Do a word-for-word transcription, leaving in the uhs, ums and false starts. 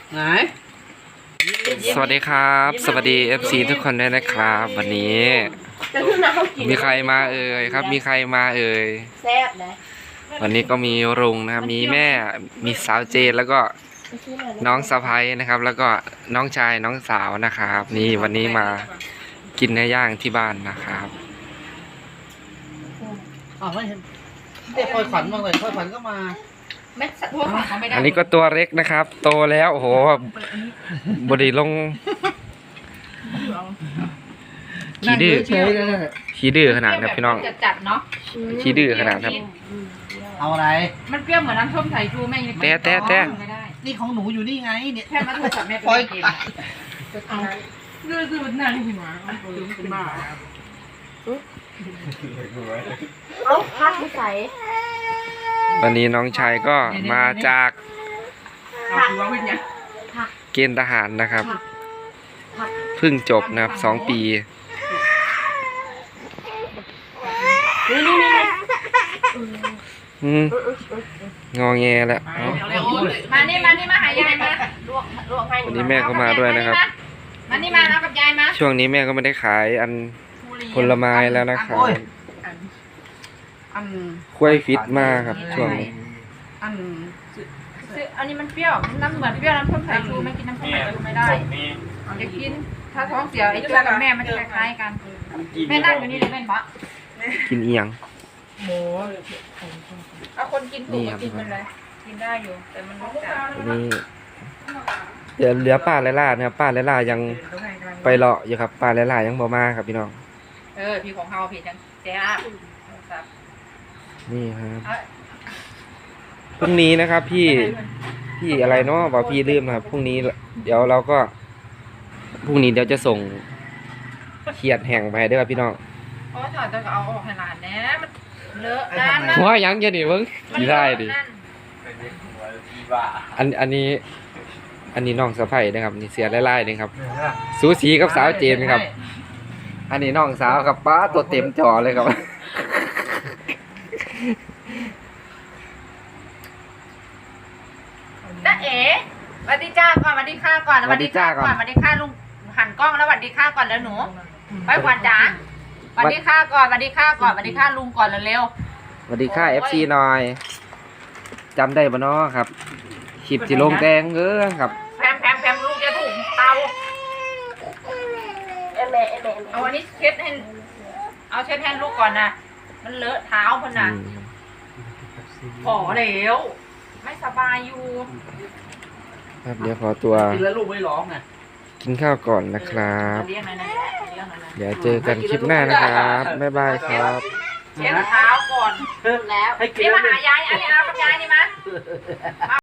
ไหนสวัสดีครับสวัสดี เอฟ ซี ทุกคนด้วยนะครับวันนี้มีใครมาเอ่ยครับมีใครมาเอ่ยแซ่บนะวันนี้ก็มีรุงนะครับมีแม่มีสาวเจนแล้วก็น้องสะใภ้นะครับแล้วก็น้องชายน้องสาวนะครับนี่วันนี้มากินเนื้อย่างที่บ้านนะครับอ๋อไม่เห็นเด็กคอยขวัญมาเลยคอยขวัญก็มาไม่ทั่วฝั่งเขาไม่ได้อันนี้ก็ตัวเล็กนะครับ โตแล้วโอ้โหบดีลงขี้ดื้อขี้ดื้อขนาดครับพี่น้องจัดเนาะขี้ดื้อขนาดครับเอาอะไรมันเปรี้ยวเหมือนน้ำส้มสายชูแม่ยังแต่แต่แต่นี่ของหนูอยู่นี่ไงเนี่ยแค่มาโทรศัพท์แม่ไปกินดื้อดื้อมันน่าที่หมาเป็นบ้าเอาพักไม่ใส่วันนี้น้องชายก็มาจากเกณฑ์ทหารนะครับเพิ่งจบนะครับสองปีอืมงอแงแล้วมานี่มานี่มาหายายมาวันนี้แม่ก็มาด้วยนะครับมานี่มาเอากับยายมาช่วงนี้แม่ก็ไม่ได้ขายอันผลไม้แล้วนะครับกล้วยฟิตมากครับช่วงนี้อันอันนี้มันเปรี้ยวน้ำเหมือนเปรี้ยวน้ำส้มสายชูไม่กินน้ำส้มสายชูไม่ได้จะกินถ้าท้องเสียไอ้ตัวกับแม่มันจะคล้ายกันแม่นั่งอยู่นี่เลยแม่ปะกินเอียงโอ้เอาคนกินถูกกินมันเลยกินได้อยู่แต่มันรสจัดนี่เดี๋ยวเหลือป้าและล่านะครับป้าและล่ายังไปเลาะอยู่ครับป้าและล่ายังบ่มาครับพี่น้องเออพี่ของเฮาพี่จังแจ๊บนี่ครับพรุ่งนี้นะครับพี่พี่อะไรเนาะบอกพี่ลืมนะครับพรุ่งนี้เดี๋ยวเราก็พรุ่งนี้เดี๋ยวจะส่งเขียดแห้งไปด้วยครับพี่น้องเพราะว่าจะเอาออกขนาดนี้มันเลอะนั่นนะว่ายังจะหนีเพิ่งกี่ได้ดิอันอันนี้อันนี้น้องสะใภ้นะครับนี่เสียไล่ๆนี่ครับสูสีกับสาวเจมส์ครับอันนี้น้องสาวกับป้าตัวเต็มจอเลยครับจ้าเอ๋สวัสดีจ้าก่อนสวัสดีค่ะก่อนสวัสดีจ้าก่อนสวัสดีค่ะลุงหันกล้องแล้วสวัสดีค่ะก่อนแล้วหนูไปขวัญจ๋าสวัสดีค่ะก่อนสวัสดีค่ะก่อนสวัสดีค่ะลุงก่อนเร็วสวัสดีค่ะ เอฟ ซี หน่อยจำได้ปะเนาะครับคลิปที่ลงแดงเออครับแพมแพมแพมลูกจะถูกเตาเอเมเอเมเอาวันนี้เช็ดให้เอาเช็ดแทนลูกก่อนนะมันเลอะเท้าพน่ะขอเร็วไม่สบายอยู่ครับเดี๋ยวขอตัวกินแล้วลูกไม่ร้องไงกินข้าวก่อนนะครับเดี๋ยวเจอกันคลิปหน้านะครับบ๊ายบายครับเช็ดเท้าก่อนแล้วนี่มาหายายอันนี้เอากับยายนี่มา